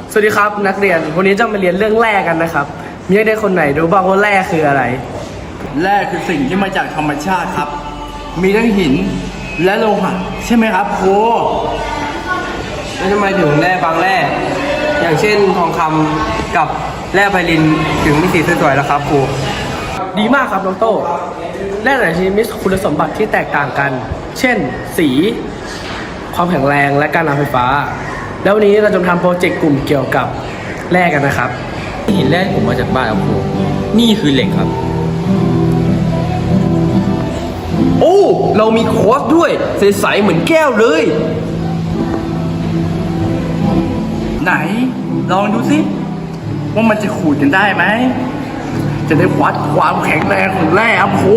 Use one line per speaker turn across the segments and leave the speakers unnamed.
สวัสดีครับนักเรียนวันนี้จะมาเรียนเรื่องแร่กันนะครับมีนักเรียนคนไหนรู้บ้างว่าแร่คืออะไร
แร่คือสิ่งที่มาจากธรรมชาติครับ มีทั้งหินและโลหะใช่ไหมครับครู
แล้วทำไมถึงแร่บางแร่อย่างเช่นทองคำกับแร่ไพลินถึงมีสีสวยๆล่ะครับครู
ดีมากครับน้องโต้แร่แต่ละชนิดมีคุณสมบัติที่แตกต่างกัน เช่น สีความแข็งแรงและการนำไฟฟ้าแล้ววันนี้เราจะทำโปรเจกต์กลุ่มเกี่ยวกับแร่กันนะครับ
หินแร่ผมมาจากบ้านครับครูนี่คือเหล็กครับ
โอ้เรามีคอร์สด้วยใสๆเหมือนแก้วเลย
ไหนลองดูสิว่ามันจะขูดกันได้ไหมจะได้วัดความแข็งแรงของแร่ครับครู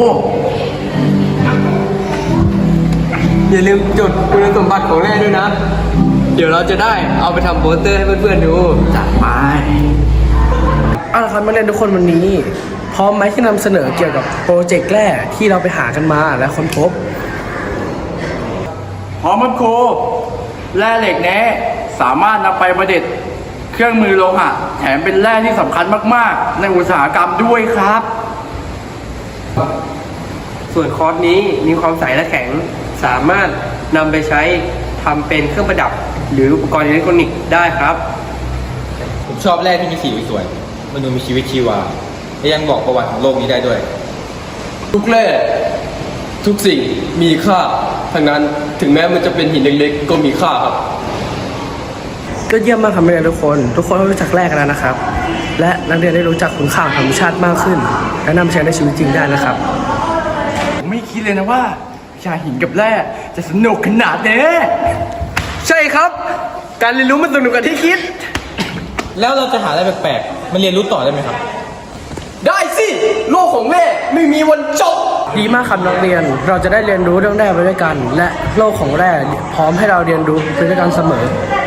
อย่าลืมจดคุณสมบัติของแร่ด้วยนะเดี๋ยวเราจะได้เอาไปทำโปสเตอร์ให้เพื่อนๆดู
จัดไป
เอาละครับนักเรียนทุกคนวันนี้พร้อมไหมที่นำเสนอเกี่ยวกับโปรเจกต์แร่ที่เราไปหากันมาและค้นพบ
พร้อมครับครูแร่เหล็กแน่สามารถนำไปประดิษฐ์เครื่องมือโลหะแถมเป็นแร่ที่สำคัญมากๆในอุตสาหกรรมด้วยครับ
ส่วนคอร์สนี้มีความใสและแข็งสามารถนำไปใช้ทำเป็นเครื่องประดับหรืออุปกรณ์อิเล็กทรอนิกส์ได้ครับ
ผมชอบแร่ที่มีสีสวยมันดูมีชีวิตชีวาและยังบอกประวัติของโลกนี้ได้ด้วย
ทุกแร่ทุกสิ่งมีค่าทั้งนั้นถึงแม้มันจะเป็นหินเล็กๆก็มีค่าครับ
ก็เยี่ยมมากครับนักเรียนทุกคนรู้จักแร่กันแล้วนะครับและนักเรียนได้รู้จักคุณค่าของธรรมชาติมากขึ้นและนำไปใช้ในชีวิตจริงได้นะครับ
ผมไม่คิดเลยนะว่าวิชาหินกับแร่จะสนุกขนาดนี้
ใช่ครับการเรียนรู้มันสนุกกว่าที่คิด
แล้วเราจะหาอะไรแปลกๆมันเรียนรู้ต่อได้ไหมครับ
ได้สิโลกของแม่ไม่มีวันจบ
ดีมากครับนักเรียนเราจะได้เรียนรู้เรื่องแร่ไปด้วยกันและโลกของแร่พร้อมให้เราเรียนรู้ไปด้วยกันเสมอ